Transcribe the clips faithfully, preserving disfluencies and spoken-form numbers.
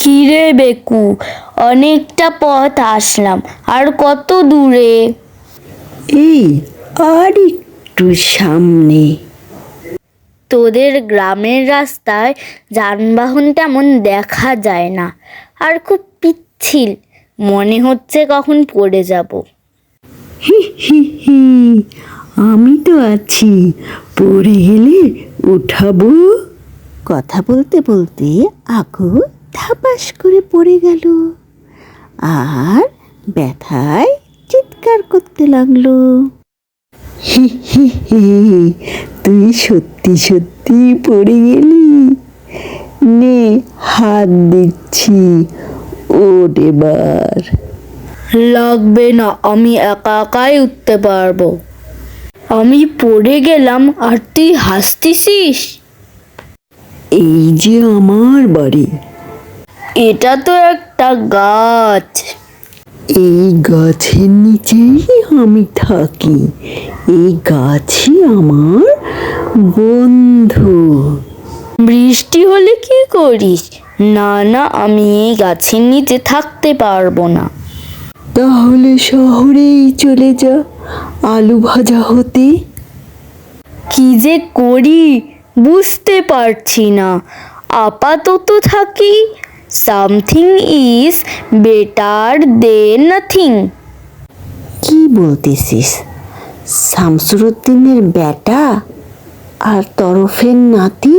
কিরে বেকু, অনেকটা পথ আসলাম, আর কত দূরে? এই আর একটু সামনে। তোদের গ্রামের রাস্তায় যানবাহন তেমন দেখা যায় না, আর খুব পিচ্ছিল, মনে হচ্ছে কখন পড়ে যাব। হি হি হি, আমি তো আছি, পড়ে গেলে উঠাবো। কথা বলতে বলতে আকু ধাপাস করে পড়ে গেল আর ব্যথায় চিৎকার করতে লাগলো। হি হি হি, তুই সত্যি সত্যি পড়ে গেলি, নে হাত দিচ্ছি, ওঠ এবার। লাগবে না, আমি একা একাই উঠতে পারবো। আমি পড়ে গেলাম আর তুই হাসতেছিস? এই যে আমার বাড়ি, এটা তো একটা গাছ। এই গাছের নিচেই আমি থাকি, এই গাছই আমার বন্ধু। বৃষ্টি হলে কি করিস? না না, আমি এই গাছের নিচে থাকতে পারবো না। তাহলে শহরেই চলে যা আলু ভাজা হতে। কি যে করি বুঝতে পারছি না। আপাতত থাকি, something is better than nothing. কি বলতেছিস? শামসুরউদ্দিনের বেটা আর তরফের নাতি?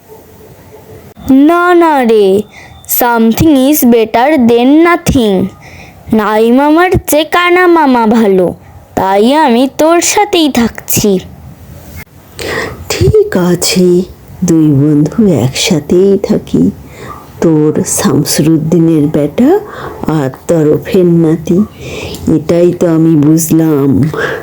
না না রে, something is better than nothing. নাই মামার চেয়ে কানা মামা ভালো, তাই আমি তোর সাথেই থাকছি। ঠিক আছে, দুই বন্ধু একসাথেই থাকি, তোর শামসুরউদ্দিনের বেটা আর তরফের নাতি, এটাই তো আমি বুঝলাম।